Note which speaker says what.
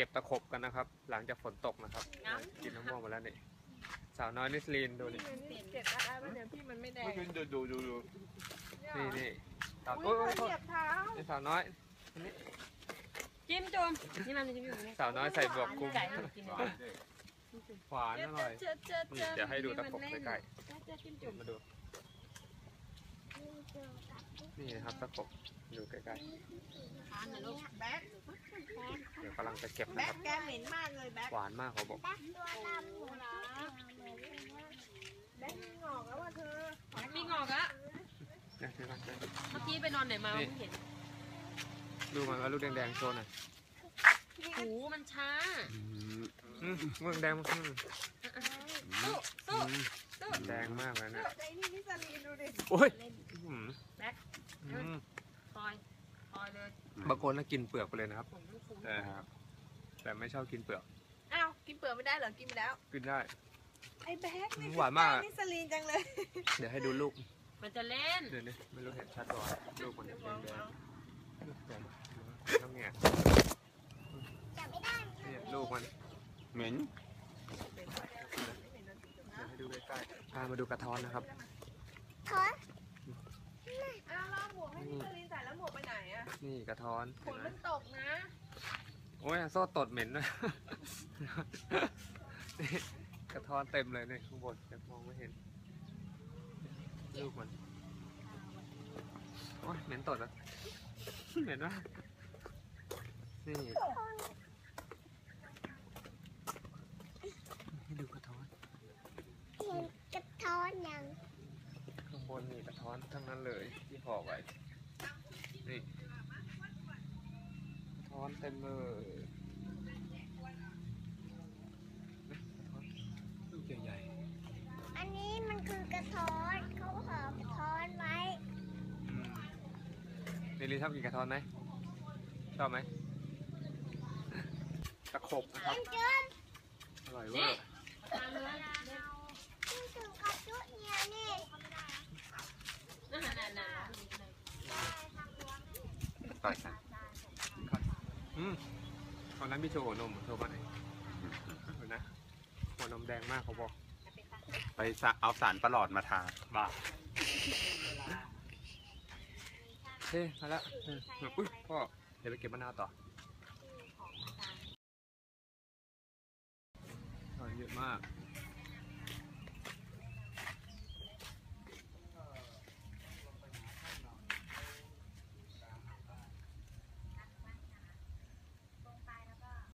Speaker 1: ก็บตะขบกันนะครับ หลังจากฝนตกนะครับกินมะม่วงมาแล้วนี่สาวน้อยนิสลีนดูนี่
Speaker 2: เก็บอะไรเดี๋ยวพี่มันไม่แดง
Speaker 1: ดูนี่สาว
Speaker 2: โอ้ยเหยียบเท้า
Speaker 1: นี่สาวน้อยนี่
Speaker 3: จิ้มจมนี่มันจะอยู่ใน
Speaker 1: สาวน้อยใส่บวกกุ้ง
Speaker 3: ไก่ให้กิน
Speaker 1: หวานอร่อยเดี๋ยวให้ดูตะขบใกล้ๆมาดูนี่นะครับตะขบดูใกล้ๆ
Speaker 2: แบ๊ก
Speaker 1: เดี๋ยวกำลังจะเก็บนะ
Speaker 2: แบ๊
Speaker 1: ค
Speaker 2: ก
Speaker 1: รับ
Speaker 2: แกเหม็นมากเลยแบ๊ก
Speaker 1: หวานมากเขาบอก
Speaker 2: แบ๊กมีงอกแล้วว่ะเธอ
Speaker 3: มีงอกอะ
Speaker 1: นี่คือมัน
Speaker 3: เมื่อกี้ไปนอนไหนมาไม่เห็น
Speaker 1: ดูมันว่าลูกแดงๆโชว์หน่อย
Speaker 3: หูมันช้า
Speaker 1: ลูกแดงมัน
Speaker 3: สู้สู้สู้
Speaker 1: แดงมากเลยนะ
Speaker 2: ใจนี่นิสลีนดูดิ
Speaker 1: โอ้ย
Speaker 3: แบ็คคอยเลย
Speaker 1: บางคนน่ากินเปลือกไปเลยนะครับแต่ไม่ชอบกินเปลือก
Speaker 2: อ้าวกินเปลือกไม่ได้เหรอกินไปแล้ว
Speaker 1: กินได้
Speaker 2: ไอ้แบ๊กนี่
Speaker 1: หวานมาก
Speaker 2: นิสลีนจังเลย
Speaker 1: เดี๋ยวให้ดูลูก
Speaker 3: มันจะเล่น
Speaker 1: เดี๋ยวนี้ไม่รู้เห็นชัดก่อนลูกมันแดงต้องแง่เนี่ยลูกมันเหม็นเดี๋ยวให้ดูใกล้ๆพามาดูกระท้อนนะครับ
Speaker 2: อ้าวเราหมวกให้นิสลีนใส่แล้วหมวกไปไหนอะ
Speaker 1: นี่กระท้อน
Speaker 2: ฝนมันตกนะ
Speaker 1: โอ้ยโซ่ตดเหม็นนะนี่กระท้อนเต็มเลยเนี่ยข้างบนแต่มองไม่เห็นลูกมันโอ้ยเหม็นตดอ่ะเหม็นวะนี่ให้ดูกระท้อน
Speaker 4: กระท้อนยัง
Speaker 1: ข้างบนนี่กระท้อนทั้งนั้นเลยที่ห่อไว้นี่กระท้อนเต็มเลยลูกใหญ่
Speaker 4: อันนี้มันคือกระท้อนเขาห่อกระท้อนไว้
Speaker 1: เนลิชอบกินกระท้อนไหมชอบไหมตะขบนะครับอร่อยเวอร์
Speaker 4: นี่ถึงกระจุเนี่ยนี่
Speaker 5: ต่อยกัน
Speaker 1: ตอนนั้นพี่โชว์หัวนมโชว์มาไหนเห็นนะหัวนมแดงมากเขาบอก
Speaker 5: ไปเอาสารประหลอดมาทา
Speaker 1: บ้าเฮ้ยมาแล้วอุ้ยพ่อเดี๋ยวไปเก็บมะนาวต่อเยอะมาก